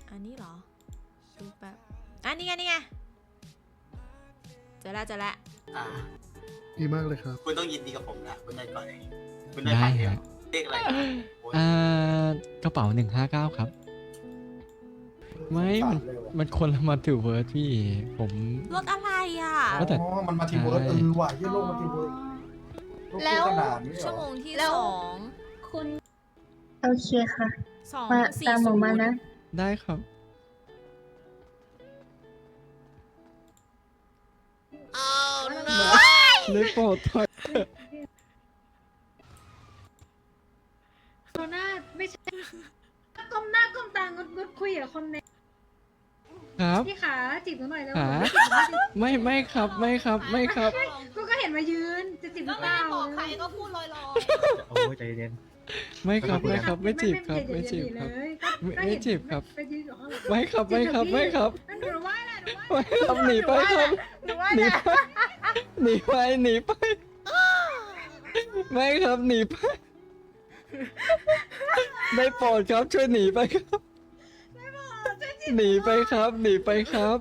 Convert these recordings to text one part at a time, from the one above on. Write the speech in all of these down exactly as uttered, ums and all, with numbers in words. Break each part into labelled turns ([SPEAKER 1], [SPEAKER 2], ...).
[SPEAKER 1] อันนี้เหรอดูแบบอันนี้ไงนี่ไงเจอแล้วเจอแล้ว
[SPEAKER 2] อ่า
[SPEAKER 3] ดีมากเลยครับ
[SPEAKER 2] คุณต้องยินดีกับผมนะคุณได้ก่อนเองคุณได้
[SPEAKER 4] ได้
[SPEAKER 2] พันเดียว
[SPEAKER 4] ฮะ
[SPEAKER 2] เรียกอะไรโอ้ย
[SPEAKER 4] อ่ากระเป๋าหนึ่งห้าเก้าครับ ไม่ มัน มันคนละมาถือเวิร์ดพี่ ผม
[SPEAKER 1] รถอะไรอ่ะ
[SPEAKER 4] ว่าแต่
[SPEAKER 5] อ๋อ มันมาทีเวิร์ด
[SPEAKER 4] ใช่
[SPEAKER 5] เออว่ะยี่โลกมาทีเวิร์ดโลก
[SPEAKER 1] แล้ว
[SPEAKER 5] ขนาดนี้เหร
[SPEAKER 1] ชั่ว
[SPEAKER 5] อ
[SPEAKER 1] โมงที่
[SPEAKER 6] แล้ว
[SPEAKER 1] สอง
[SPEAKER 6] คุณ
[SPEAKER 7] โอเคค่ะ
[SPEAKER 1] สอง
[SPEAKER 7] มา
[SPEAKER 1] สี่
[SPEAKER 7] ตามห
[SPEAKER 1] ศู
[SPEAKER 7] นู
[SPEAKER 1] น
[SPEAKER 7] มา
[SPEAKER 1] ย์
[SPEAKER 7] นะ
[SPEAKER 4] ได้ครับ เลยโปรดถอย
[SPEAKER 6] โซน่าไม่ใช่ก้มหน้าก้มตางดงดคุยกับคนใน
[SPEAKER 4] ครับ
[SPEAKER 6] พี่ขาจีบหนูหน่อยแล้ว
[SPEAKER 4] ขา ไม่ไม่ครับ ไม่ครับ ไม่ครับ
[SPEAKER 6] กูก็เห็นมายืนจะจีบหรือเปล่า
[SPEAKER 5] โอ้ยใจเย็น
[SPEAKER 4] ไม่ครับ ไม่ครับ ไม่จีบครับ ไม่
[SPEAKER 6] ไม่
[SPEAKER 4] จีบครับ
[SPEAKER 6] เลย
[SPEAKER 4] ไม่
[SPEAKER 6] ก็
[SPEAKER 4] ไม่
[SPEAKER 6] เห็น
[SPEAKER 4] จีบครับ
[SPEAKER 6] ไปยืนอยู่ข้างหลัง
[SPEAKER 4] ไม่ครับ ไม่ครับ ไม่ครับ
[SPEAKER 6] นั่นหนูว่าแหละหนูว่า
[SPEAKER 4] ไม่ครับ หนีไปครับ
[SPEAKER 6] หนูว่า
[SPEAKER 4] หนี
[SPEAKER 6] แหละ
[SPEAKER 4] ไป หนีไป หนีไป ไม่ครับ หนีไป ได้โปรดครับ ช่วยหนีไปครับ หนีไปครับ หนีไปครับ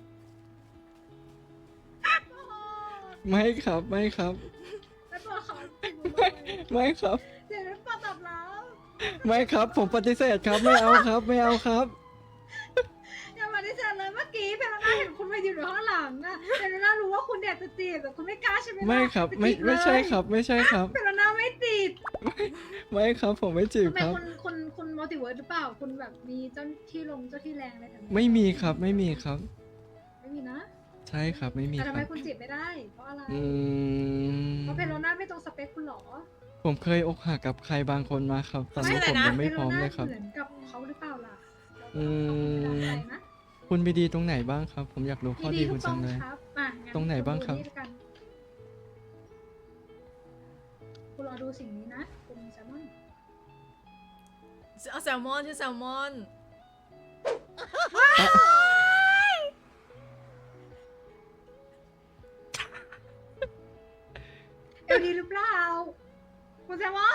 [SPEAKER 4] ไม่ครับ ไม่ครับ
[SPEAKER 6] แล้วตัวเขาจีบหนูห
[SPEAKER 4] ไม่
[SPEAKER 6] น่อย
[SPEAKER 4] ไม่ครับ
[SPEAKER 6] เดี๋ยวนั้นปอตอบแล้ว
[SPEAKER 4] ไม่ครับ ผมปฏิเสธครับ ไม่เอาครับ ไม่เอาครับ
[SPEAKER 6] อย่ามาดิฉันเลยเมื่อกี้เพลน่าเห็นคุณมายืนอยู่ข้างหลังอะเพลน่ารู้ว่าคุณอยากจะจีบแต่คุณไม่กล้าใช่ไหมล่ะ
[SPEAKER 4] ไม่ครับ ไม่
[SPEAKER 6] ปจีเลย
[SPEAKER 4] ไม่ใช่ครับ ไม่ใช่ครับ
[SPEAKER 6] เพลน่าไม่ติด
[SPEAKER 4] ไม่ครับ ผมไม่จีบ
[SPEAKER 6] ทำไม
[SPEAKER 4] ครับ
[SPEAKER 6] คุณคุณคุณมัลติเวิร์สหรือเปล่า คุณแบบมีเจ้าที่ลงเจ้าที่แรงอะไรแบบนี้
[SPEAKER 4] ไม่มีครับ ไม่มีครับ
[SPEAKER 6] ไม่มีนะ
[SPEAKER 4] ใช่ครับ ไม่มี
[SPEAKER 6] แต่
[SPEAKER 4] ค
[SPEAKER 6] ทำ
[SPEAKER 4] รั
[SPEAKER 6] ไม
[SPEAKER 4] บ
[SPEAKER 6] คุณจีบไม่ได้ เพราะอะไร
[SPEAKER 4] อืม
[SPEAKER 6] เพราะเพลน่าไม่ตรงสเปคคุณหรอ
[SPEAKER 4] ผมเคยอกหักกับใครบางคนมาครับ ตอนนี้ผมยังไม่พร้อมเลยครับ
[SPEAKER 6] เหมือนกับเขาหรือเปล่าล่ะ
[SPEAKER 4] อืม
[SPEAKER 6] เราต้องเข้าไปนะ
[SPEAKER 4] คุณไปดีตรงไหนบ้างครับ ผมอยากรู้ข้อ
[SPEAKER 6] มี
[SPEAKER 4] ดี
[SPEAKER 6] ดีทุ
[SPEAKER 4] คุ
[SPEAKER 6] ก
[SPEAKER 4] ณ
[SPEAKER 6] ตร
[SPEAKER 4] จั
[SPEAKER 6] ง
[SPEAKER 4] งเลย
[SPEAKER 6] ครับอ่ะงั้
[SPEAKER 4] ตรงไหนบ้างครับ
[SPEAKER 6] ณดูนี่ละกันคุณรอดูสิ่งนี้นะ คุณแซมมอน
[SPEAKER 1] เอาแซลมอนชื่อแซลมอน
[SPEAKER 6] เอลดีหรือเปล่า คุณแซมมอน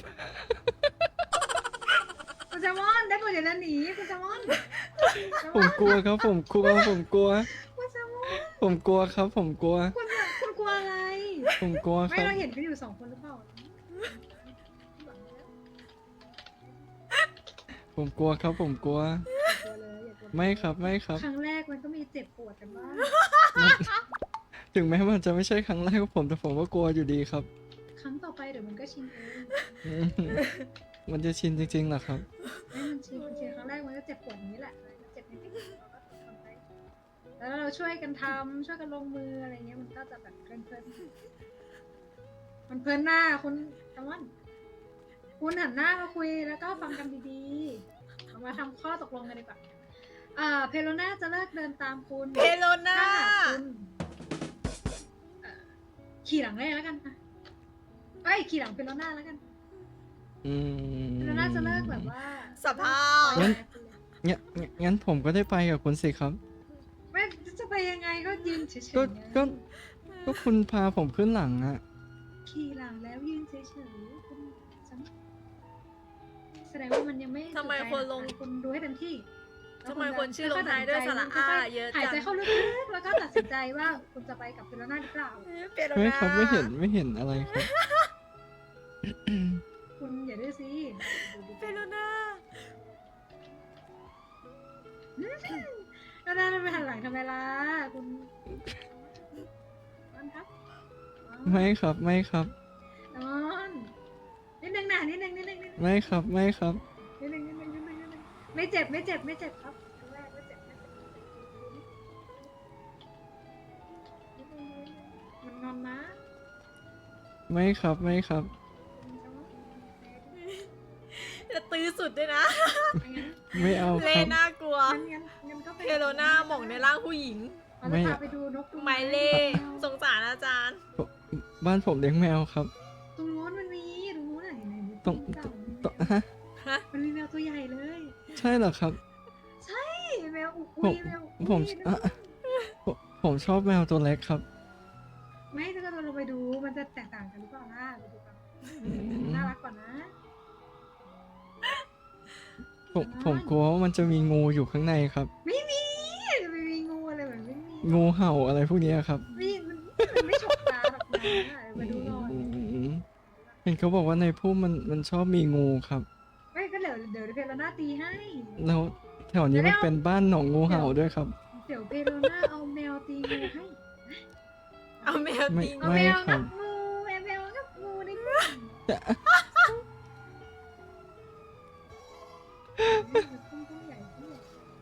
[SPEAKER 6] คุณแซมมอนได้โปรดอย่าเดินหนีคุณแซมมอน
[SPEAKER 4] ผมกลัวครับ ผมกลัว ผมกลัว
[SPEAKER 6] คุณแซมมอน
[SPEAKER 4] ผมกลัวครับ ผมกลัว
[SPEAKER 6] คุณคุณกลัวอะไร
[SPEAKER 4] ผมกลัวค
[SPEAKER 6] ไม่
[SPEAKER 4] รับ
[SPEAKER 6] เราเห็นกันอยู่สองคนหรือเปล่า
[SPEAKER 4] ผมกลัวครับ ผมกลัว
[SPEAKER 6] กลัวเลยอย่ากลัว
[SPEAKER 4] ไม่ครับ ไม่ครับ
[SPEAKER 6] ครั้งแรกมันก็มีเจ็บปวดกันบ้าง
[SPEAKER 4] ถึงแม้มันจะไม่ใช่ครั้งแรกของผมแต่ผมก็กลัวอยู่ดีครับ
[SPEAKER 6] ครั้งต่อไปเดี๋ยวมันก็ชินเอง
[SPEAKER 4] อืมมันจะชินจริงๆเหรอครับ
[SPEAKER 6] ไม่มันชินมันชินครั้งแรกมันก็เจ็บปวดอย่างนี้แหละมันเจ็บนิดๆเราก็ทำไปแล้วเราช่วยกันทำช่วยกันลงมืออะไรเงี้ยมันก็จะแบบเพลินๆมันเพลินหน้าคุณตะวันคุณหันหน้ามาคุยแล้วก็ฟังกันดีๆเอามาทำข้อตกลงกันดีกว่าอ่าเพโลน่าจะเลิกเดินตามคุณ
[SPEAKER 1] เพโลน่า
[SPEAKER 6] ถ้าคุณเอ่อขี่หลังเลยแล้วกันอ่ะเอ้ยขี่หลังเพโลน่าแล้วกัน
[SPEAKER 4] อืม
[SPEAKER 6] เพโลน่าจะเลิกแบบว่า
[SPEAKER 1] สภาพ
[SPEAKER 4] งั้น งั้นงั้นงั้นผมก็ได้ไปกับคุณสิครับ
[SPEAKER 6] ไม่จะไปยังไงก็ยืนเฉยๆ
[SPEAKER 4] ก็
[SPEAKER 6] ไง
[SPEAKER 4] ก็ ก็คุณพาผมขึ้นหลังอะ
[SPEAKER 6] ขี่หลังแล้วยืนเฉยๆคุณฉันแสดงว่ามันยังไม่
[SPEAKER 1] ทำไม
[SPEAKER 6] ถูกใจ
[SPEAKER 1] คนลง
[SPEAKER 6] อ่ะคุณดูให้เต็มที่
[SPEAKER 1] ทำไมคนชื่อลงท้ายด้วยสระอาเยอะ
[SPEAKER 6] หาย
[SPEAKER 1] จัง
[SPEAKER 6] ใจเข้าลึกๆแล้วก็ตัดสินใจว่าคุณจะไปกับเพโลน่าหรือเปล่า
[SPEAKER 1] เพโล
[SPEAKER 4] ไม่
[SPEAKER 1] น่า
[SPEAKER 4] ครับไม่เห็นไม่เห็นอะไรครับ
[SPEAKER 6] คุณอย่าดื้อสิ
[SPEAKER 1] เพโลน่า
[SPEAKER 6] แล้วน่าจะไปหันหลังทำไมล่ะคุณนอนครับ
[SPEAKER 4] ไม่ครับไม่ครับ
[SPEAKER 6] นอนนิดนึงนะนิดนึงนิดนึงนิดนึง
[SPEAKER 4] ไม่ครับไม่ครับ
[SPEAKER 6] นิดนึงนิดนึงนิดนึงนิดนึงไม่เจ็บไม่เจ็บไม่เจ็บครับครั้งแรกไม่เจ็บไม่เจ็บนิดนึงนิดนึงมันนอนนะ
[SPEAKER 4] ไม่ครับไม่ครับ
[SPEAKER 1] จะตื้อสุดด้วยนะ
[SPEAKER 4] ไม่เอา
[SPEAKER 1] เล
[SPEAKER 4] ครับ
[SPEAKER 1] น่ากลัว
[SPEAKER 6] งั้นงั้นงั้นก็ไป
[SPEAKER 1] เพโลน่าหม่องในร่างผู้หญิง
[SPEAKER 6] เรา
[SPEAKER 4] ไม่
[SPEAKER 6] จะพาไปดูนกดู
[SPEAKER 1] ไมเล่สงสารอาจารย์
[SPEAKER 4] บ้านผมเลี้ยงแมวครับ
[SPEAKER 6] ตรงโน้นมันมีตรงโน้นไหนไหน
[SPEAKER 4] ตรง
[SPEAKER 6] เก่า
[SPEAKER 4] ตรงฮะ
[SPEAKER 1] ฮะ
[SPEAKER 6] มันมีแมวตัวใหญ่เลย
[SPEAKER 4] ใช่เหรอครับ
[SPEAKER 6] ใช่แมวอุ้
[SPEAKER 4] ผม
[SPEAKER 6] ยแมว
[SPEAKER 4] ผม
[SPEAKER 6] อุ้ย
[SPEAKER 4] อ่ะผมผมชอบแมวตัวเล็กครับ
[SPEAKER 6] ไม่ถ้าเราลงไปดูมันจะแตกต่างกันหรือเปล่าล่ะไปดูกัน
[SPEAKER 4] อืม
[SPEAKER 6] น่ารักกว่านะ
[SPEAKER 4] ผผมผมกลัวว่ามันจะมีงูอยู่ข้างในครับ
[SPEAKER 6] ไม่มีจะไม่มีงูอะไรแบบไม่มี
[SPEAKER 4] งูเห่าอะไรพวกเนี้ยครับ
[SPEAKER 6] ไม่มันมันไม่ฉกตาหรอกนะมาดูหน่อย
[SPEAKER 4] อืมเห็นเขาบอกว่าในพุ่มมันมันชอบมีงูครับ
[SPEAKER 6] ไม่ก็เดี๋ยวเดี๋ยวเพลาน่าตีให้
[SPEAKER 4] แล้วแถวนี้มันเป็นบ้านหนองงูเห่าด้วยครับ
[SPEAKER 6] เดี๋ยวเพลาน่าเอาแมวตีงูให้
[SPEAKER 1] เอาแมว
[SPEAKER 4] ไม่
[SPEAKER 1] ตี
[SPEAKER 6] เอา
[SPEAKER 4] ไม่
[SPEAKER 6] แมว
[SPEAKER 4] ครั
[SPEAKER 6] งับบ งูแมวแมวงับงูในกลุ่มพุ่งพุ่งใหญ่พุ่งใหญ่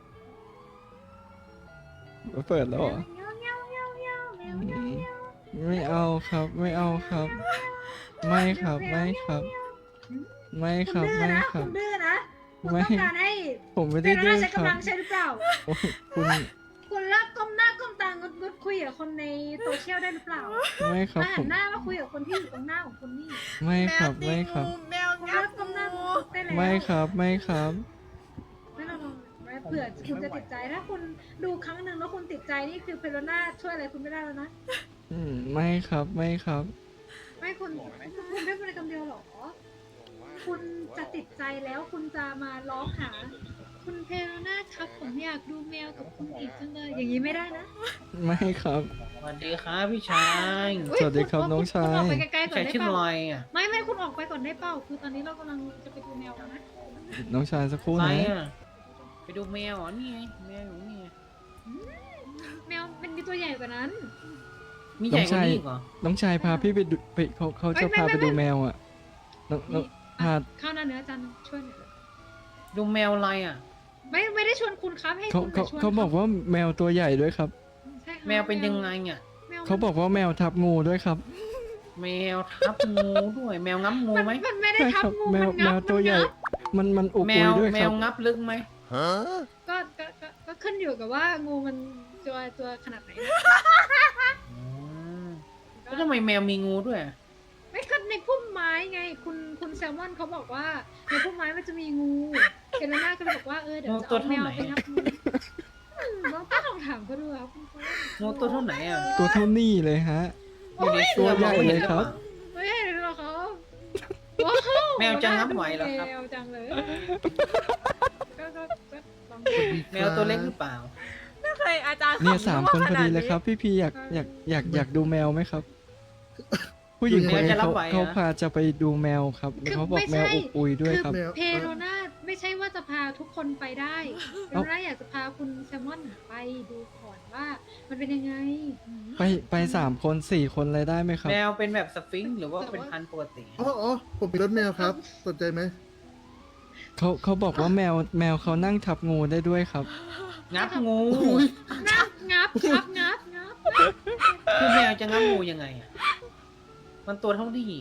[SPEAKER 4] เปิดแล้วเหรอ
[SPEAKER 6] เงี้ยวเงี้ยวเงี้ยวเงี้ยวแมวเงี้ยวเงี้ยว
[SPEAKER 4] ไม่เอาครับ ไม่เอาครับ ไม่ครับไม่ครับ ไม่ค
[SPEAKER 6] คุ
[SPEAKER 4] รั
[SPEAKER 6] ณ
[SPEAKER 4] บ
[SPEAKER 6] ดื้อ
[SPEAKER 4] ไม่
[SPEAKER 6] นะครับ คุณดื้อนะคุณ
[SPEAKER 4] ไม่
[SPEAKER 6] ต้องการให้
[SPEAKER 4] ผมไม่
[SPEAKER 6] เพ
[SPEAKER 4] ได้
[SPEAKER 6] ลา
[SPEAKER 4] ดื้
[SPEAKER 6] น่า
[SPEAKER 4] อ
[SPEAKER 6] ใช้
[SPEAKER 4] ครั
[SPEAKER 6] กำลั
[SPEAKER 4] บ
[SPEAKER 6] งใช่หรือเปล่า
[SPEAKER 4] โอ้ยคุณ
[SPEAKER 6] คุณเลิกก้มหน้าก้มตางดงดคุยกับคนในโซเชียลได้หรือเปล่า
[SPEAKER 4] ไม่ครับ
[SPEAKER 6] มา
[SPEAKER 4] ผ
[SPEAKER 6] หั
[SPEAKER 4] ม
[SPEAKER 6] นหน้ามาคุยกับคนที่อยู่ตรงหน้าของคุณนี่
[SPEAKER 4] ไม่
[SPEAKER 1] แม
[SPEAKER 4] ครั
[SPEAKER 1] ว
[SPEAKER 4] บ
[SPEAKER 1] ตี
[SPEAKER 4] ไม่ครับ
[SPEAKER 1] งูแมว
[SPEAKER 6] คุณ
[SPEAKER 1] งั
[SPEAKER 6] เลิ
[SPEAKER 1] บ
[SPEAKER 6] กก้มหน้า
[SPEAKER 1] งู
[SPEAKER 6] ได้แล้ว
[SPEAKER 4] ไม่ครับไม่ครับ
[SPEAKER 6] ไม่ลองลองเผื่อคุณจะติดใจถ้าคุณดูครั้งหนึ่งแล้วคุณติดใจนี่คือเพโลน่าช่วยอะไรคุณไม่ได้แล้วนะ
[SPEAKER 4] อืมไม่ครับไม่ครับ
[SPEAKER 6] ไม่คุณคุณไม่เป็นคำเดียวหรอ คุณจะติดใจแล้วคุณจะมาร้องหา คุณเพโลน่าครับผมอยากดูแมวกับคุณอีกจังเลย อย่างนี้ไม่ได้นะ
[SPEAKER 4] ไม่ครับ
[SPEAKER 8] สวัสดีครับพี่ชาย
[SPEAKER 6] อุ๊ย
[SPEAKER 4] สวัสดีครับ
[SPEAKER 6] ณ
[SPEAKER 4] น้องชาย
[SPEAKER 6] คุณออกไปไกลๆก่อน
[SPEAKER 8] ชาย
[SPEAKER 6] ได้
[SPEAKER 8] ชื่อ
[SPEAKER 6] เป
[SPEAKER 8] ล
[SPEAKER 6] ล่า
[SPEAKER 8] อยอ่ะ
[SPEAKER 6] ไม่ไม่คุณออกไปก่อนได้เปล่าคือตอนนี้เรากำลังจะไปดูแมวกันนะ
[SPEAKER 4] น้องชายสักครู่
[SPEAKER 8] อะไร
[SPEAKER 4] นะ
[SPEAKER 8] อ่ะ ไปดูแมวเหรอนี่ไงแมวอยู่นี่ไง
[SPEAKER 6] แมวมันมีตัวใหญ่กว่านั้น
[SPEAKER 8] มีใหญ่กว่านี้อีกเหรอ
[SPEAKER 4] น้องชายพาพี่ไปดูไปเขาเขาจะ
[SPEAKER 6] ไม่
[SPEAKER 4] พา
[SPEAKER 6] ไม่
[SPEAKER 4] ไป
[SPEAKER 6] ไม่
[SPEAKER 4] ดูแมวอ่ะน้องน้อง
[SPEAKER 6] นี่
[SPEAKER 4] พา
[SPEAKER 6] อ่ะข้าวหน้าเนื้ออาจันช่วยหน่อย
[SPEAKER 8] ดูแมวอะไรอ่ะ
[SPEAKER 6] ไม่ไม่ได้ชวนคุณครับให้
[SPEAKER 4] เขา
[SPEAKER 6] คุณ
[SPEAKER 4] เขา
[SPEAKER 6] ไปชวน
[SPEAKER 4] เขาบอกว่าแมวตัวใหญ่ด้วยครับ
[SPEAKER 6] ใช่ครับ
[SPEAKER 8] แมวเป็นยังไงอ่ะ
[SPEAKER 6] แมว
[SPEAKER 4] เขาบอกว่าแมวทับงูด้วยครับ
[SPEAKER 8] แมวทับงูด้วย แมวงับงู
[SPEAKER 6] มัน
[SPEAKER 8] ไหม
[SPEAKER 6] มันไม่ได้
[SPEAKER 4] ใช่
[SPEAKER 6] ทับ
[SPEAKER 4] ครับ
[SPEAKER 6] งู
[SPEAKER 4] แม
[SPEAKER 6] มั
[SPEAKER 4] วน แม
[SPEAKER 6] งั
[SPEAKER 4] ว
[SPEAKER 6] บ
[SPEAKER 4] ตัวใหญ่
[SPEAKER 6] มันงับ
[SPEAKER 4] มันมันอุบ
[SPEAKER 8] แม
[SPEAKER 4] อุยว ด้วย
[SPEAKER 8] แม
[SPEAKER 4] ครั
[SPEAKER 8] ว
[SPEAKER 4] บ
[SPEAKER 8] งับลึกไหม
[SPEAKER 6] ก็ก็ก็ก็ขึ้นอยู่กับว่างูมันตัวตัวขนาดไหนนะ
[SPEAKER 8] อืมแล้วทำไมแมวมีงูด้วยอะ
[SPEAKER 6] ไม่ก็ในพุ่มไม้ไง คุณคุณแซลมอนเขาบอกว่าในพุ่มไม้มันจะมีงูเจนน่าก็เลยบอกว่าเออเดี๋ยวจะเอาแมวไปนับงูอืมลองตั้งคำถามเขาดูครับคุณพ่อ
[SPEAKER 8] งูตัวเท่าไหนอ่ะ
[SPEAKER 4] ตัวเท่านี้เลยฮะ
[SPEAKER 8] อยู่ใน
[SPEAKER 4] ตัวใหญ่เลยครับ
[SPEAKER 6] ไม่ใช่หรอกครับว้าว
[SPEAKER 8] แมวจะงับไหวเหรอครับ
[SPEAKER 6] แมวจังเลยก็ก็ก็ลอง
[SPEAKER 8] แมวตัวเล็กหรือเปล่า
[SPEAKER 1] ไม่เคยอาจารย์
[SPEAKER 4] เนี่ย
[SPEAKER 1] ขำ
[SPEAKER 4] สาม
[SPEAKER 1] รั่ว
[SPEAKER 4] คนพอดีเลย
[SPEAKER 1] ขา
[SPEAKER 4] ครับ พี่พีอยากอยากอยากอยากดูแมวไหมครับ ผู้หญิงคนนี้
[SPEAKER 8] แมวจะรับ
[SPEAKER 4] เขา
[SPEAKER 8] ไหวเหรอ
[SPEAKER 4] เขาพาจะไปดูแมวครับแล้วเขาบอกแมวอุบอุยด้วยครับ
[SPEAKER 6] คือเพโรนาไม่ใช่ว่าจะพาทุกคนไปได้เพโรนาอยากจะพาคุณแซลมอนไปดูก่อนว่า มันเป็นยังไง
[SPEAKER 4] ไปไปสามคนสี่คนเลยได้ไหมครับ
[SPEAKER 8] แมวเป็นแบบสฟิงค์หรือว่าเป็นพันธุ์ปกติ
[SPEAKER 3] อ๋ออ๋อผมมีรถแมวครับ สนใจไหม
[SPEAKER 4] เขาเขาบอกว่าแมวแมวเขานั่งทับงูได้ด้วยครับ
[SPEAKER 8] งับงู
[SPEAKER 6] งับงับงับงับงับ
[SPEAKER 8] คือแมวจะงับงูยังไงอ่ะ มันตัวเท่านี้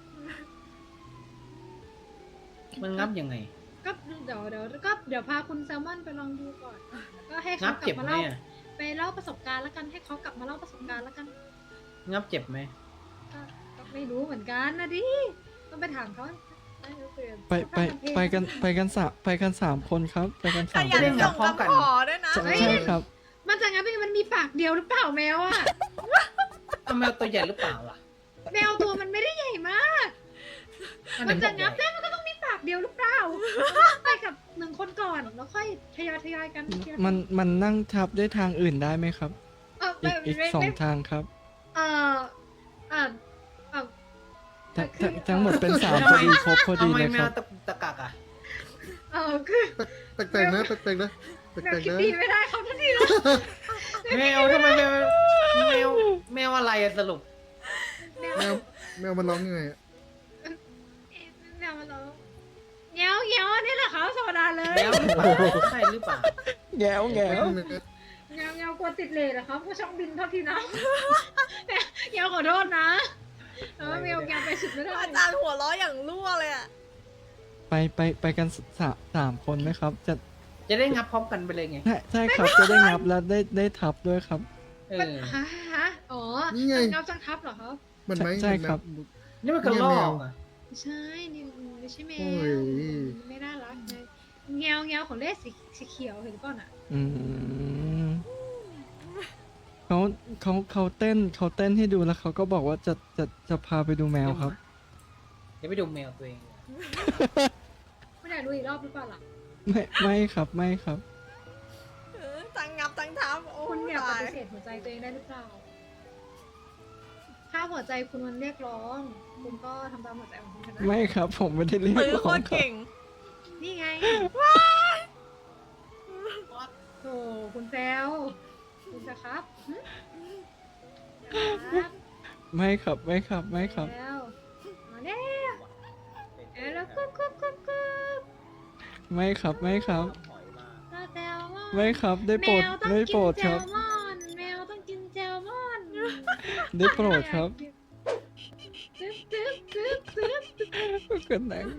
[SPEAKER 8] มันงับยังไง
[SPEAKER 6] ก็เดี๋ยวเดี๋ยวก็เดี๋ยวพาคุณแซลมอนไปลองดูก่อน ก็ให้
[SPEAKER 8] งั
[SPEAKER 6] เขา
[SPEAKER 8] บ
[SPEAKER 6] กลั
[SPEAKER 8] เจ็
[SPEAKER 6] บบ มา
[SPEAKER 8] ไหม
[SPEAKER 6] เล่า
[SPEAKER 8] อ่ะ
[SPEAKER 6] ไปเล่าประสบการณ์แล้วกันให้เขากลับมาเล่าประสบการณ์แล้วกัน
[SPEAKER 8] งับเจ็บไหม
[SPEAKER 6] ก็ก็ไม่รู้เหมือนกันนะดิต้องไปถามเขาได้เดี๋ยว
[SPEAKER 4] ไปไปไปกันไปกันสามไปกันสามคนครับ ไปกัน
[SPEAKER 1] ข
[SPEAKER 4] สาม
[SPEAKER 1] ยั
[SPEAKER 4] คน น
[SPEAKER 1] ส่งคำขอด้วยนะ
[SPEAKER 4] ใช่ใช่ครับ
[SPEAKER 6] มันจะงั้นมันมีปากเดียวหรือเปล่าแมวอะ
[SPEAKER 8] เอาแมวตัวใหญ่หรือเปล่าล่ะ
[SPEAKER 6] แมวตัวมันไม่ได้ใหญ่มาก
[SPEAKER 8] อัน
[SPEAKER 6] มัน
[SPEAKER 8] ไหน
[SPEAKER 6] จะ
[SPEAKER 8] บอก
[SPEAKER 6] งับ
[SPEAKER 8] ใหญ่
[SPEAKER 6] ได้มันก็ต้องมีปากเดียวหรือเปล่า ไปกับหนึ่งคนก่อนแล้วค่อยทยอยทยอยกันทีละ
[SPEAKER 4] มันมันนั่งทับด้วยทางอื่นได้ไหมครับ
[SPEAKER 6] เออ
[SPEAKER 4] อี
[SPEAKER 6] ไม่
[SPEAKER 4] กอีก
[SPEAKER 6] ไม่
[SPEAKER 4] สอง
[SPEAKER 6] ไม่
[SPEAKER 4] ทางครับ
[SPEAKER 6] เออเออเออ
[SPEAKER 4] ทั้งทั้งทั้งหมดเป็นสาม
[SPEAKER 8] ทำ
[SPEAKER 4] พอ
[SPEAKER 8] ไม
[SPEAKER 4] ดีครบพอดี
[SPEAKER 8] ทำไม
[SPEAKER 4] เลย
[SPEAKER 8] แม
[SPEAKER 4] ครั
[SPEAKER 8] ว
[SPEAKER 4] บ
[SPEAKER 8] ตะตะกักอ่ะ
[SPEAKER 6] เออคือ
[SPEAKER 3] แปลกๆนะแปลกๆนะแป
[SPEAKER 6] แมว
[SPEAKER 3] ลก
[SPEAKER 6] คิด
[SPEAKER 3] ๆนะ
[SPEAKER 6] ดีไม่ได้เขาทันทีแล้ว
[SPEAKER 8] แมวทำไมแมวแมวแมวอะไรอะสรุป
[SPEAKER 6] แมว
[SPEAKER 3] แมวแมวมันร้องยังไงอะ
[SPEAKER 6] แมวมันร้องเงี้ยวเงี้ยวนี่แหละเขาธรรมดาเลย
[SPEAKER 8] แมวหรือเปล่าใช่หรือเปล่า
[SPEAKER 4] แง่วแง่ว
[SPEAKER 3] แมว
[SPEAKER 6] เงี้ยวเงี้ยวกลัวติดเลทเหรอครับก็ช่องบินเท่าทีนะเงี้ยวขอโทษนะแต่ว่าแมวเงี้ยวไปสุดไม่ได้
[SPEAKER 1] อาจารย์หัวเราะอย่างรั่วเลยอ่ะ
[SPEAKER 4] ไปไปไปกันสามสามคนไหมครับ จะ
[SPEAKER 8] จะได้งับพร้อมกันไปเลยไง
[SPEAKER 4] ใช่ใช่ครับจะได้งับแล้วได้ได้ทับด้วยครับ
[SPEAKER 8] เออ
[SPEAKER 6] ฮะฮะอ๋อ
[SPEAKER 3] นี่ไง
[SPEAKER 6] เงาจังทับเหรอครับ
[SPEAKER 3] มันไหม
[SPEAKER 4] ใช่ครับ
[SPEAKER 8] นี่มันกระลอกอ่ะ
[SPEAKER 6] ไม่ใช่นี่ไม่ใช่แม
[SPEAKER 3] โอ้
[SPEAKER 6] วย ไม่น่ารักเลยเงี้ยวเงี้ยวของเล่สีสีเขียวเห็นป่ะน่ะ
[SPEAKER 4] อืมเขาเขาเขาเต้นเขาเต้นให้ดูแล้วเขาก็บอกว่าจะจะจะพาไปดูแมวครับ
[SPEAKER 8] เดี๋ยวไปดูแมวตัวเอง
[SPEAKER 6] ไม่ได้ดูอีกรอบหรือเปล่าล่ะ
[SPEAKER 4] ไม่ไม่ครับไม่ครับ
[SPEAKER 1] เออตั้งงับตั้งทับโอ้
[SPEAKER 6] คุณอยากป
[SPEAKER 1] ตาย
[SPEAKER 6] ฏิเสธหัวใจตัวเองได้หรือเปล่า ถ้าหัวใจคุณมันเรียกร้อง คุณก็ทำตามหัวใจของคุณนะ
[SPEAKER 4] ไม่ครับ ผมไม่ได้เรียก
[SPEAKER 1] ตื้อ
[SPEAKER 4] ร้
[SPEAKER 1] โค
[SPEAKER 4] อง
[SPEAKER 1] ตร
[SPEAKER 4] ครับ
[SPEAKER 1] เก่ง
[SPEAKER 6] นี่ไงโธ่คุณแซวคุณจะครับหึครับ
[SPEAKER 4] ไม่ครับไม่ครับไม่ครับ
[SPEAKER 6] แล้วมาแล้วเอ้ยแล้วกุ๊กกุ๊กกุ๊กกุ๊ก
[SPEAKER 4] ไม่ครับไม่ครับ
[SPEAKER 6] ปลาแซลมอน
[SPEAKER 4] ไม่ครับได้โปรด
[SPEAKER 6] แมวต้อง
[SPEAKER 4] ได้
[SPEAKER 6] กิ
[SPEAKER 4] โปร
[SPEAKER 6] น
[SPEAKER 4] ด
[SPEAKER 6] แซ
[SPEAKER 4] ครั
[SPEAKER 6] ล
[SPEAKER 4] บ
[SPEAKER 6] มอนแมวต้องกินแซลมอน
[SPEAKER 4] ได้โปรดครับ
[SPEAKER 6] ตึ๊บตึ๊บตึ๊บตึ๊บ
[SPEAKER 4] ก็หนัง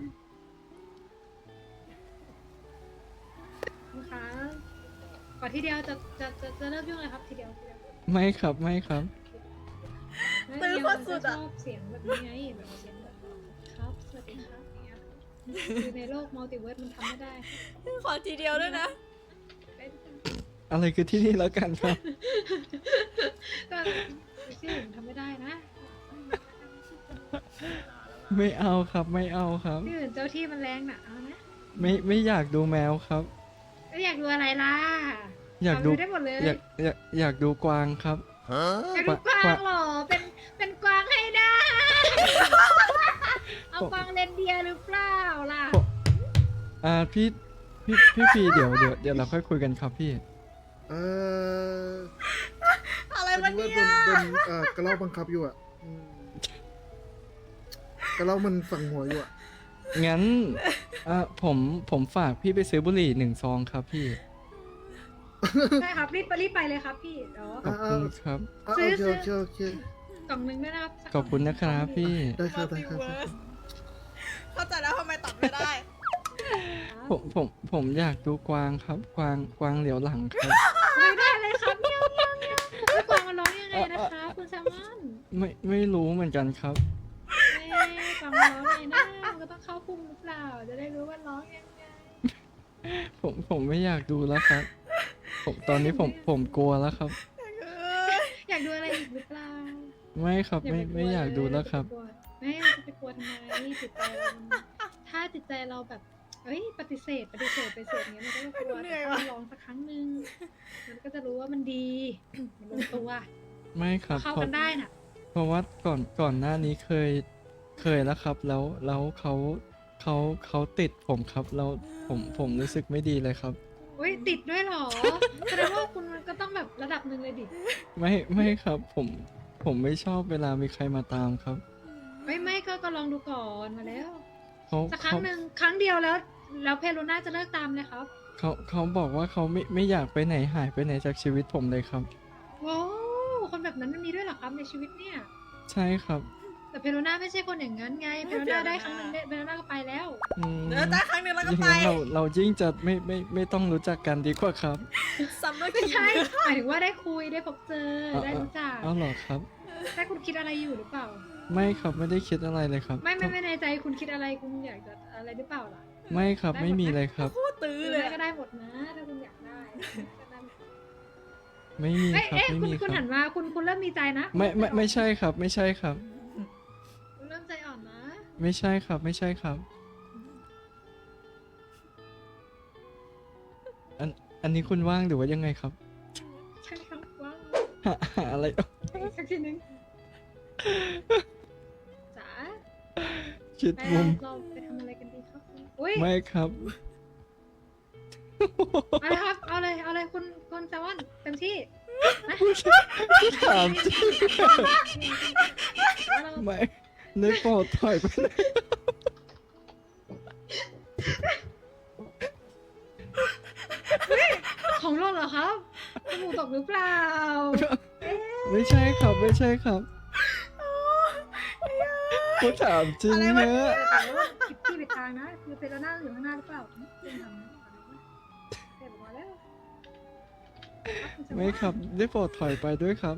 [SPEAKER 6] คุณคะก่อนทีเดียวจะจะจะจะเลิกยุ่งเลยครับทีเดียวทีเดียว
[SPEAKER 4] ไม่ครับไม่ครับ
[SPEAKER 1] ตื้อโคตรสุดอะ
[SPEAKER 6] ชอบเสียงแบบนี้ไงแบบเสียงแบบครับสวัสดีครับอย่างเงี้ยคือในโลกมัลติเวิร์สมันทำไม่ได้
[SPEAKER 1] ขอทีเดียวด้วยนะ
[SPEAKER 6] เป็น
[SPEAKER 4] อะไรคือที่นี่แล้วกันครับ
[SPEAKER 6] ก็ที่อื่นทำไม่ได้นะ
[SPEAKER 4] ไม่เอาครับไม่เอาครับ
[SPEAKER 6] ที่อื่นเจ้าที่มันแรงน่ะเอานะ
[SPEAKER 4] ไม่ไม่อยากดูแมวครับ
[SPEAKER 6] แล้วอยากดูอะไรล่ะ
[SPEAKER 4] อยากดู
[SPEAKER 6] เได้หมดเลย
[SPEAKER 4] อยากอยากอยากดูกวางครับ
[SPEAKER 6] อยากดูกวางเหรอเป็นเป็นกวางให้ได้ เอากวางเรนเดียร์หรือเปล่าล่ะ
[SPEAKER 4] อ่าพี่พี่พี่พีเดี๋ยวเดี๋ยวเดี๋ยวเราค่อยคุยกันครับพี่
[SPEAKER 3] เออ
[SPEAKER 1] อะไร
[SPEAKER 3] พอ
[SPEAKER 1] วะ
[SPEAKER 3] ดี
[SPEAKER 1] เนี่
[SPEAKER 3] ว่าย โดนโดนเอ่อกระรอกบังคับอยู่อ่ะอืมกระรอกมันสั่งหัวอยู่อ่ะ
[SPEAKER 4] งั้นอ่าผมผมฝากพี่ไปซื้อบุหรี่หนึ่งซองครับพี่
[SPEAKER 6] ใช่ครับรีบไปรีบไปเลยครับพี่เดี๋ยว
[SPEAKER 4] ขอบคุณครับ
[SPEAKER 3] อ่ะ
[SPEAKER 6] ซื้
[SPEAKER 3] โอ
[SPEAKER 6] อ
[SPEAKER 3] เค
[SPEAKER 6] ซื้อ
[SPEAKER 3] โอเคโอเค
[SPEAKER 6] กล่องหนึ่งด้วยนะครับสัก
[SPEAKER 4] ขอบคุณนะครับพี่
[SPEAKER 3] ได้ค
[SPEAKER 1] มั
[SPEAKER 3] รั
[SPEAKER 1] ล
[SPEAKER 3] บได้
[SPEAKER 1] ติ
[SPEAKER 3] ครับ
[SPEAKER 1] เวิร์สเข้าใจแล้วทำไมตัดไม่ได้
[SPEAKER 6] ครับ
[SPEAKER 4] ผมผมผมอยากดูกวางครับ กวางกวางเหลียวหลังครับ
[SPEAKER 6] ไม่ได้เลยครับเมียวเมียวเมียวแล้วกวางมันร้องยังไงนะคะคุณแซมมอน
[SPEAKER 4] ไม่ไม่รู้เหมือนกันครับ
[SPEAKER 6] เอ๊ะกวางมันร้องไงนะมันก็ต้องเข้าพุ่มหรือเปล่าจะได้รู้ว่าร้องยังไง
[SPEAKER 4] ผมผมไม่อยากดูแล้วครับ ผมตอนนี้ผมผมกลัวแล้วครับ
[SPEAKER 6] อยากดูอะไรอีกหรือเปล่า
[SPEAKER 4] ไม่ครับไม่ไม่อยากดูแล้วครับ
[SPEAKER 6] ไม่เราจะไปกลัวทำไมจิตใจเรามันถ้าจิตใจเราแบบเอ้ยปฏิเสธปฏิเสธไปเสธเงี้ยมันก็จะกลัว
[SPEAKER 1] เหนื่
[SPEAKER 6] แต่
[SPEAKER 1] อย
[SPEAKER 6] ถ้า
[SPEAKER 1] ว่ะ
[SPEAKER 6] มันลองสักครั้งหนึ่งมันก็จะรู้ว่ามันดีมันลงตัว
[SPEAKER 4] ไม่ครับ
[SPEAKER 6] เข้า
[SPEAKER 4] เพราะ
[SPEAKER 6] กันได้น่ะ
[SPEAKER 4] เพราะว่าก่อนก่อนหน้านี้เคยเคยแล้วครับ แล้วแล้วเขาเขาเขาติดผมครับแล้วผมผมรู้สึกไม่ดีเลยครับ
[SPEAKER 6] อุ้ยติดด้วยเหรอแสดงว่าคุณมันก็ต้องแบบระดับหนึ่งเลยดิ
[SPEAKER 4] ไม่ไม่ครับ ผมผมไม่ชอบเวลามีใครมาตามครับ
[SPEAKER 6] ไม่ไม่ก็ก็ลองดูก่อนมาแล้ว
[SPEAKER 4] เขา
[SPEAKER 6] สักครั้
[SPEAKER 4] เขา
[SPEAKER 6] งหนึ่งครั้งเดียวแล้ว แล้วเพโลน่าจะเลิกตามเลยครับ
[SPEAKER 4] เขาเขาบอกว่าเขาไม่ไม่อยากไปไหนหายไปไหนจากชีวิตผมเลยครับ
[SPEAKER 6] โว้คนแบบนั้นมันมีด้วยเหรอครับในชีวิตเนี่ย
[SPEAKER 4] ใช่ครับ
[SPEAKER 6] แต่เพโลน่าไม่ใช่คนอย่างนั้นไง เพโลน่าได้ครั้งหนึ่งเพโลน่าก็ไปแล้ว
[SPEAKER 4] อืม
[SPEAKER 1] เดี๋ยวได้ครั้งหนึ่งแล้วก็
[SPEAKER 4] ยิ่ง
[SPEAKER 1] ไป
[SPEAKER 4] นั้นเราเรายิ่งจะไม่ไม่ไม่ต้องรู้จักกันดีกว่าครับ
[SPEAKER 1] ซัมเมอร์
[SPEAKER 6] ไม่
[SPEAKER 1] คิ
[SPEAKER 6] ใช่ หมายถึงว่าได้คุยได้พบเจอ
[SPEAKER 4] เอา
[SPEAKER 6] ได้รู้จัก
[SPEAKER 4] เอาเหรอครับ
[SPEAKER 6] แต่คุณคิดอะไรอยู่หรือเปล่า
[SPEAKER 4] ไม่ครับไม่ได้คิดอะไรเลยครับ
[SPEAKER 6] ไม่ไม่ไม่ในใจคุณคิดอะไรคุณอยากจะอะไรหรือเปล่าล่ะ
[SPEAKER 4] ไม่ครับไม่มีเลยครับ
[SPEAKER 1] โคตรตื้อ
[SPEAKER 6] ซื้อ
[SPEAKER 1] เลย
[SPEAKER 6] ก็ได้หมดนะถ้าคุณอยากได้ก็ได้หมด
[SPEAKER 4] ไม่มี
[SPEAKER 6] เอ้ย
[SPEAKER 4] ครับ
[SPEAKER 6] เอ้ย
[SPEAKER 4] ไม่
[SPEAKER 6] คุณ
[SPEAKER 4] มี
[SPEAKER 6] คุณ
[SPEAKER 4] ค
[SPEAKER 6] หั
[SPEAKER 4] รับ
[SPEAKER 6] นมาคุณคุณเริ่มมีใจนะ
[SPEAKER 4] ไม่ไม่ไม่ใช่ครับ ไม่ใช่ครับ
[SPEAKER 6] คุณเริ่มใจอ่อนนะ
[SPEAKER 4] ไม่ใช่ครับ ไม่ใช่ครับ อันอันนี้คุณว่างหรือว่ายังไงครับ
[SPEAKER 6] ใช่ครับว้าว
[SPEAKER 4] หาหาอะไร
[SPEAKER 6] อีกสักทีหนึงจ๋า
[SPEAKER 4] คิด
[SPEAKER 6] ไป
[SPEAKER 4] มุม
[SPEAKER 6] เราไปทำอะไรกันดีครับอุ้ย
[SPEAKER 4] ไม่ครับ
[SPEAKER 6] เอาเลยครับ เอาเลย เอาเลยคุณคุณแซมมอนเต็มที่นะ
[SPEAKER 4] ถามจริง
[SPEAKER 6] แล้วเรา
[SPEAKER 4] ไม่ได้โปรดถอยไปไหน
[SPEAKER 6] ของร่นเหรอครับจมูกตกหรือเปล่า
[SPEAKER 4] ไม่ใช่ครับ ไม่ใช่ครับกูถามจริง
[SPEAKER 1] อะไรวะ
[SPEAKER 4] เนอะ
[SPEAKER 6] แต่ว่าผิดที่ผิดทางนะ คือเป็นหน้าอยู่ข้างหน้าหรือเปล่าเป็นทางนั้นเก็บออกมาแล้ว
[SPEAKER 4] ไม่ครับ ได้โปรดถอยไปด้วยครับ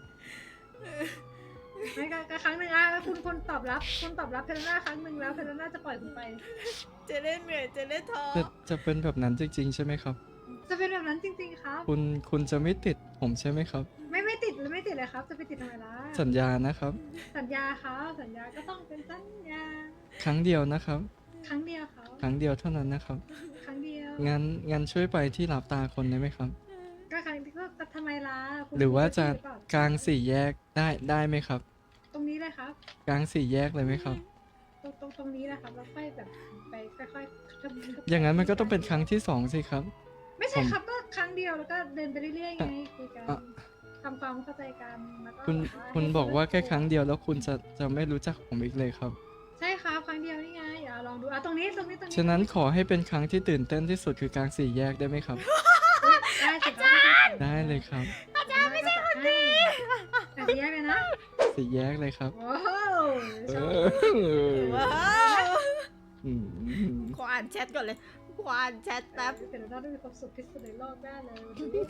[SPEAKER 6] ไม่ก็ก็ครั้งหนึ่งอ่ะแล้วคุณคุณตอบรับ คุณตอบรับเพลน่าครั้งหนึ่งแล้วเพลน่าจะปล่อยคุณไป
[SPEAKER 1] เจเล่นเหนื่อยเจเล่นท้อ
[SPEAKER 4] จะจะเป็นแบบนั้นจริง ๆ ใช่ไหมครับ
[SPEAKER 6] จะเป็นแบบนั้นจริง ๆ ครับ
[SPEAKER 4] คุณคุณจะไม่ติดผมใช่ไหมครับ
[SPEAKER 6] ไม่ไม่ติดเลยไม่ติดเลยครับ จะไปติดทำไมล่ะ
[SPEAKER 4] สัญญานะครับ
[SPEAKER 6] สัญญาครับสัญญาก็ต้องเป็นสัญญา
[SPEAKER 4] ครั้งเดียวนะครับ
[SPEAKER 6] ครั้งเดียวเขา
[SPEAKER 4] ครั้งเดียวเท่านั้นนะครับ
[SPEAKER 6] ครั้งเดียว
[SPEAKER 4] งั้นงั้นช่วยไปที่หลับตาคนได้ไหมครับ
[SPEAKER 6] ก็ครั้งก็ก็ทำไมล่ะคุณ
[SPEAKER 4] หรือว่าจะ
[SPEAKER 6] รู้หรือเปล่
[SPEAKER 4] กลางสี่แยกได้ได้ไหมครับ
[SPEAKER 6] ตรงนี้เลยครับ
[SPEAKER 4] กลางสี่แยกเลยไหมครับ
[SPEAKER 6] ตรงตรงตรงนี้นะครับแล้วค่อยแบบไปค่อยๆทำ
[SPEAKER 4] อย่างนั้นมันก็ต้องเป็นครั้งที่สองสิครับ
[SPEAKER 6] ไม่ใช่ครับก็ครั้งเดียวแล้วก็เดินไปเรื่อยๆไงคุยกัน
[SPEAKER 4] อ่ะ
[SPEAKER 6] ทำความเข้าใจกันแล้วก็
[SPEAKER 4] คุณ
[SPEAKER 6] แบบว่า
[SPEAKER 4] คุณ
[SPEAKER 6] ให้
[SPEAKER 4] บอกว่าแค่
[SPEAKER 6] เ
[SPEAKER 4] ครั้งเดียวแล้วคุณจะจะไม่รู้จักผมอีกเลยครับ
[SPEAKER 6] ใช่ครับครั้งเดียวนี่ไงอ่ะลองดูอ่ะตรงนี้ตรงนี้ตรงนี้
[SPEAKER 4] ฉะนั้นขอให้เป็นครั้งที่ตื่นเต้นที่สุดคือกลางสี่แยกได้ไหมครับ
[SPEAKER 6] ได้สิครับ
[SPEAKER 4] ได้เลยครับ
[SPEAKER 6] อาจารย์ไม่ใช่คนดีแต่แยกเลยนะ
[SPEAKER 4] สี่แยกเลยครับ
[SPEAKER 6] โอ้โห
[SPEAKER 4] เอ
[SPEAKER 6] ชอบ
[SPEAKER 4] อ
[SPEAKER 1] ว้าว
[SPEAKER 4] อืม
[SPEAKER 1] ขออ่านแชทก่อนเลยขออ่านแชทแป๊บ
[SPEAKER 6] แต่เราได้มีความสุขที่สุดในโลกได้เลยวันนี้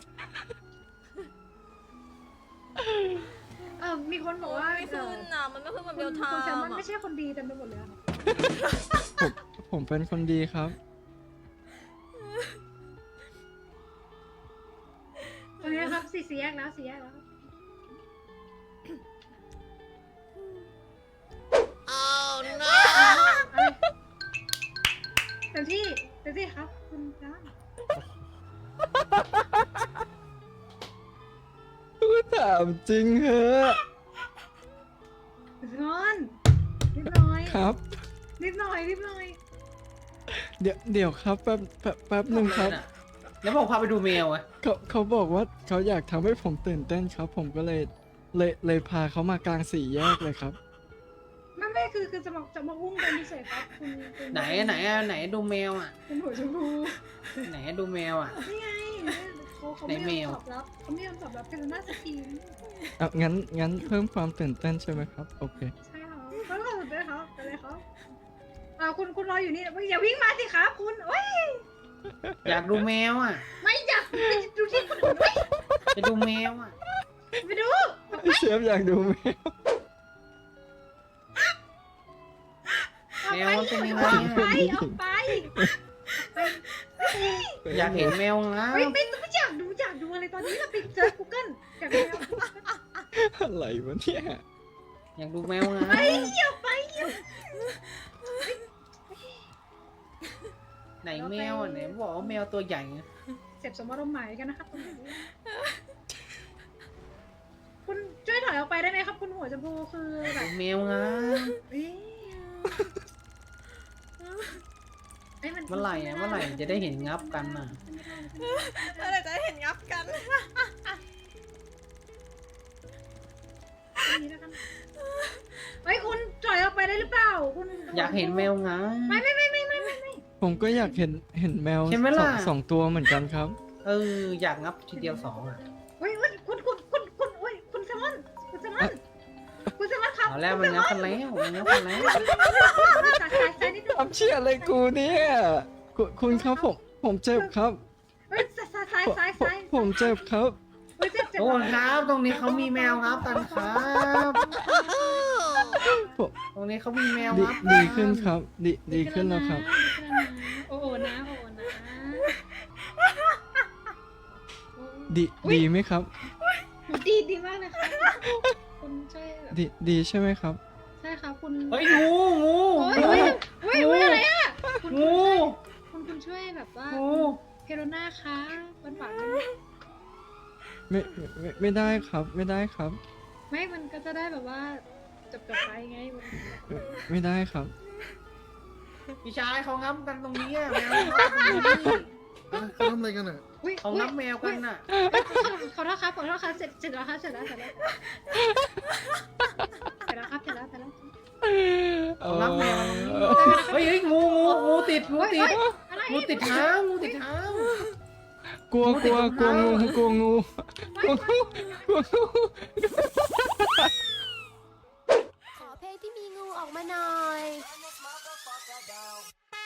[SPEAKER 6] เออมีคนบอกว่า
[SPEAKER 1] ไม่ขึ้นอ่ะ มันไม่ขึ้นกับ
[SPEAKER 6] คุ
[SPEAKER 1] เบ
[SPEAKER 6] ณ
[SPEAKER 1] ลไท
[SPEAKER 6] คุณแซล
[SPEAKER 1] ม์
[SPEAKER 6] มอน
[SPEAKER 1] อ่ะ
[SPEAKER 6] ไม่ใช่คนดีเต็มไปหมดเลยอะครับ
[SPEAKER 4] ผมผมเป็นคนดีครับ
[SPEAKER 6] ตรงนี้นะครับสี่สี่แยกแล้วสี่แยกแล้ว
[SPEAKER 1] Oh no
[SPEAKER 6] เต็มที่เต็มที่ครับ คุณจ้า
[SPEAKER 4] ถามจริงเหรอ
[SPEAKER 6] งอนนิดหน่อย
[SPEAKER 4] ครับ
[SPEAKER 6] นิดหน่อยนิดหน่อย
[SPEAKER 4] เดี๋ยวเดี๋ยวครับแป๊บแป๊บแป๊บหนึ่งครับ
[SPEAKER 8] แล้วบอกพาไปดูแมวอะ
[SPEAKER 4] เขาเขาบอกว่าเขาอยากทำให้ผมตื่นเต้นครับ ผมก็เลยเลยเลยพาเขามากลางสี่แยกเลยครับ
[SPEAKER 6] ไม่ไม่คือคือจะมาจะมาอุ้มกันเฉยๆครับคุณคุณ
[SPEAKER 8] ไหนอะไหนอะไหนดูแมวอะ
[SPEAKER 6] คุณหัวชมพู
[SPEAKER 8] ไหนอะดูแมวอะ
[SPEAKER 6] นี่ไงเขาเขาไม่
[SPEAKER 8] ไหนแม
[SPEAKER 6] ยอ
[SPEAKER 8] ว
[SPEAKER 6] มตอบรับเขาไม่ยอมตอบรับเป็นหน้าสตรีม
[SPEAKER 4] อ่ะงั้นงั้นเพิ่มความตื่นเต้นใช่ไหมครับ โอเค
[SPEAKER 6] ใช่ครับเขาก็สุดเลยครับอะไรครับอ่าคุณคุณรออยู่นี่อย่าวิ่งมาสิครับคุณโอ้ย
[SPEAKER 8] อยากดูแมวอะ
[SPEAKER 6] ไม่อยากไปดูที่คนอื่นเว้ย
[SPEAKER 8] จะดูแมวอะ
[SPEAKER 6] ไปดู
[SPEAKER 4] เชฟอยากดูไหม
[SPEAKER 6] ออก
[SPEAKER 8] แม
[SPEAKER 6] ไป
[SPEAKER 8] วมันเป็นยังไง
[SPEAKER 6] ออกไป
[SPEAKER 8] อะ
[SPEAKER 6] ออกไป
[SPEAKER 8] อยากเห็นแมวงา
[SPEAKER 6] ไม่
[SPEAKER 8] ม
[SPEAKER 6] ไม่ไม่อยากดูอยากดูอะไรตอนนี้เราไปเจอ Google อยากดูแล้ว
[SPEAKER 4] อะไรวะเนี่ย
[SPEAKER 8] อยากดูแมวงาม
[SPEAKER 6] ไปอย่าไปอย่า
[SPEAKER 8] ไหนแมวอะไหนบอกว่าแมวตัวใหญ่อะ
[SPEAKER 6] เสพสมรสหมายกันนะครับตรงนี้คุณช่วยถอยออกไปได้ไหมครับ คุณหัวชมพูคือแบ
[SPEAKER 8] ดู
[SPEAKER 6] บ
[SPEAKER 8] แมวงาม
[SPEAKER 6] เอ๊ะเอ้ย
[SPEAKER 8] เมื่อไหร่อะเมื่อไหร่จะได้เห็นงับกันอะ
[SPEAKER 1] อะไรจะเห็นงับกัน
[SPEAKER 6] อันนี้แล้วกันเฮ้ยคุณถอยออกไปได้หรือเปล่า คุณ
[SPEAKER 8] อยากเห็นแมวงาม
[SPEAKER 6] ไม่ไม่ไม่ไม่ไม่ไม่ไม่
[SPEAKER 4] ผมก็อยากเห็นเห็นแมว
[SPEAKER 8] ใช่ไหม
[SPEAKER 4] ส
[SPEAKER 8] ล่ะ
[SPEAKER 4] องสองตัวเหมือนกันครับ
[SPEAKER 8] เอออยากงับทีเดียวสองอะ
[SPEAKER 6] เฮ้ยเฮ้ยคุณคุณคุณคุณเฮ้ยคุณแซมมอนคุณแซมมอนคุณแซมมอนครับ
[SPEAKER 8] เอาแล้วมันงับกันแล้วมันงับกันแล้ว
[SPEAKER 6] สายสายสายนิดนึง
[SPEAKER 4] ทำเชี่ยอะไรกูเนี่ยคุณคุณครับผมผมเจ็บครับ
[SPEAKER 6] เฮ้ยสายสาย
[SPEAKER 4] ผม
[SPEAKER 6] สาย
[SPEAKER 4] ผม
[SPEAKER 6] สาย
[SPEAKER 4] ผมเจ็บครับ
[SPEAKER 6] เฮ้ยเจ็บเจ็บ
[SPEAKER 8] โอ้ครับตรงนี้เขามีแมวงับกันครับ
[SPEAKER 4] ผม
[SPEAKER 8] ตรงนี้เขามีแมว
[SPEAKER 4] ดี
[SPEAKER 8] งับ
[SPEAKER 4] ดีขึ้นครับ ดีดีขึ้นแล้วครับ
[SPEAKER 6] ดีขึ้นแล้วนะโอ้โหนะโอ้โหนะ
[SPEAKER 4] ดีดีไหมครับ
[SPEAKER 6] ดีดีมากเลยค่ะคุณช่วยแบบ
[SPEAKER 4] ดีดีใช่ไหมครับ
[SPEAKER 6] ใช่ค่ะคุณ
[SPEAKER 8] เฮ้ยงูงู
[SPEAKER 6] โอ้ย
[SPEAKER 8] งู
[SPEAKER 6] โอ้ยโอ้ยโอ้ยอะไรอ่ะคุณ
[SPEAKER 8] งู
[SPEAKER 6] คุณคุณช่วยแบบว่า
[SPEAKER 8] งู
[SPEAKER 6] เพโรน่าคะหวานหวานๆ
[SPEAKER 4] ไม่ไม่ไม่ไม่ได้ครับ ไม่ได้ครับ
[SPEAKER 6] ไม่ มันก็จะได้แบบว่าจบจบๆไปไงมัน
[SPEAKER 4] ไม่ไม่ได้ครับ
[SPEAKER 8] พี่ชายเขางับกันตรงนี้อะแมวงับตรงนี้
[SPEAKER 3] อ่ะเขาทำอะไรกันอ่ะ
[SPEAKER 6] อุ๊ย
[SPEAKER 8] เขางับแมวกันน่ะ
[SPEAKER 6] อุ๊ยขอโทษครับขอโทษครับเสร็จเสร็จแล้วครับเสร็จแล้วเสร็จแล้วเสร็จแล้วครับเสร็จแล้วเสร็จแล้ว
[SPEAKER 8] เขางับแมวกันตรงนี้เฮ้ยเฮ้ยงูงูงูติดงูติด
[SPEAKER 6] อะไร
[SPEAKER 8] งูติดเท้างูติดเท้า
[SPEAKER 4] กลัวกลัวกลัวงูกลัวงูกลัวงูกลัวงู
[SPEAKER 7] ขอเพลงที่มีงูออกมาหน่อย